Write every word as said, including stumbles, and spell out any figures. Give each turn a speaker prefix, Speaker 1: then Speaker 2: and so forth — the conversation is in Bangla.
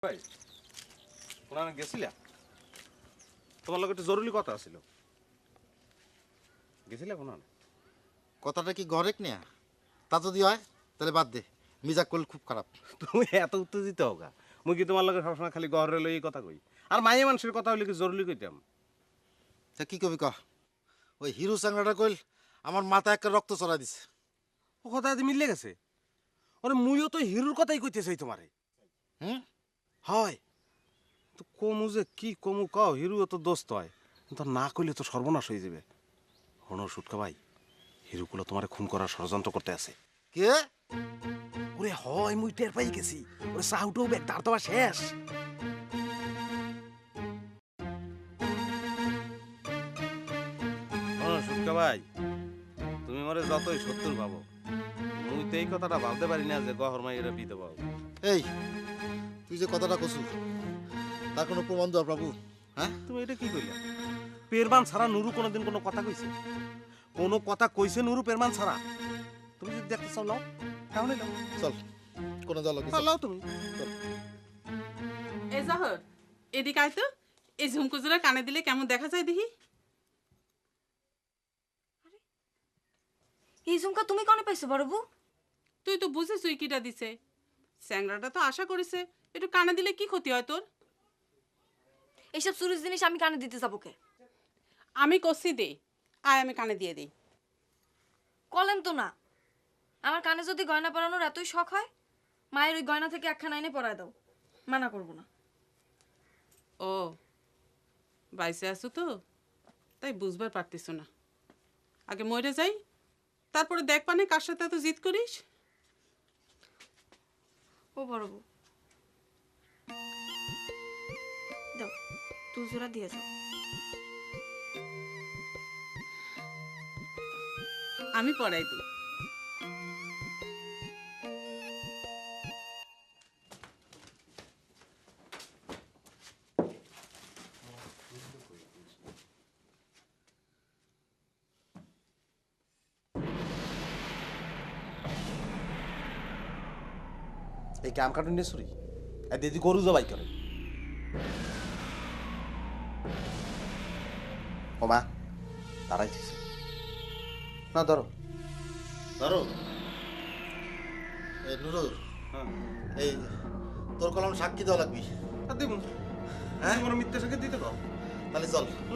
Speaker 1: ভাই ওখানে গেছিলা? তোমার লগে একটু জরুরি কথা ছিল। গেছিলা কোন?
Speaker 2: কথাটা কি গরেক নেয়া? তা যদি হয় তাহলে বাদ দে, মিজাক করলে খুব খারাপ।
Speaker 1: তুমি এত উত্তেজিত হোগা? মুই কি তোমার লগে সবসময় খালি গহরে লই এই কথা কই? আর মাইয়া মানুষের কথা হইলে কি জরুরি কইতাম?
Speaker 2: তা কি কবি কহ? ওই হিরো চাংড়াটা কইল আমার মাথা একটা রক্ত চড়া দিছে।
Speaker 1: ও কথা আজ মিললে গেছে। ওরে মুইও তো হিরোর কথাই কইতে চাই তোমারে।
Speaker 2: হুম?
Speaker 1: হয় তো কমু যে কি কমু কও, হিরো তো দোস্ত হয়, কিন্তু না কইলে তো সর্বনাশ হয়ে যাবে। হনো সুটকা ভাই, হিরোগুলো তোমারে খুন করার ষড়যন্ত্র করতে আছে।
Speaker 2: কে?
Speaker 1: ওরে হয় মুই টের পাই গেছি। ওরে সাউটাও ব্যাগ দাঁড় দেওয়া শেষ। হনো সুটকা ভাই, তুমি মরে যতই সত্তর ভাবো, মুই তো এই কথাটা ভাবতে পারি না যে গহর মাইয়েরা বিধবা পাবো।
Speaker 2: এই তুই যে কথাটা কছু তার কোনো প্রমাণ দাও প্রভু? হ্যাঁ,
Speaker 1: তুমি এটা কি কইলা? পেরমান ছাড়া নুরু কোনোদিন কোনো কথা কইছে? কোনো কথা কইছে নুরু পেরমান ছাড়া? তুমি যদি দেখতে চাও লাও, তাহলে লাও।
Speaker 2: চল কোনো দল
Speaker 1: হ্যাঁ, লাও তুমি।
Speaker 3: এ জহর, এদিকে আয় তো। এই ঝুমকুজোড়া কানে দিলে কেমন দেখা যায় দেখি।
Speaker 4: এই ঝুমকা তুমি কনে পাইছো বড় বউ?
Speaker 3: তুই তো বুঝিস তুই কিটা দিছে। স্যাংরাটা তো আশা করিছে একটু কানে দিলে কি ক্ষতি হয় তোর?
Speaker 4: এইসব চুরির জিনিস আমি কানে দিতে যাবো কে?
Speaker 3: আমি কষি দে, আয় আমি কানে দিয়ে দিই।
Speaker 4: কলেন তো না, আমার কানে যদি গয়না পরানোর এতই শখ হয়, মায়ের ওই গয়না থেকে একখানা এনে পরায় দাও, মানা করবো না।
Speaker 3: ও বাইসে আছো তো, তাই বুঝবার পারতিস না। আগে মরে যাই, তারপরে দেখ পানে কার সাথে এত জিদ করিস।
Speaker 4: ও বড় বউ, দাও তুই জোড়া দিয়ে যাও।
Speaker 3: আমি পড়াই দিই।
Speaker 1: এই কাম কাটুন নিয়ে ছুরি আর দিদি গরু জবাই করে। ও মা দাঁড়াইছিস না? ধরো
Speaker 2: ধরো। এই নুরু,
Speaker 1: হ্যাঁ
Speaker 2: এই তোর কলম সাক্ষী দেওয়া লাগবি।
Speaker 1: দিব। হ্যাঁ, তোমার মিথ্যা সাক্ষী দিতে কও।
Speaker 2: তাহলে চল।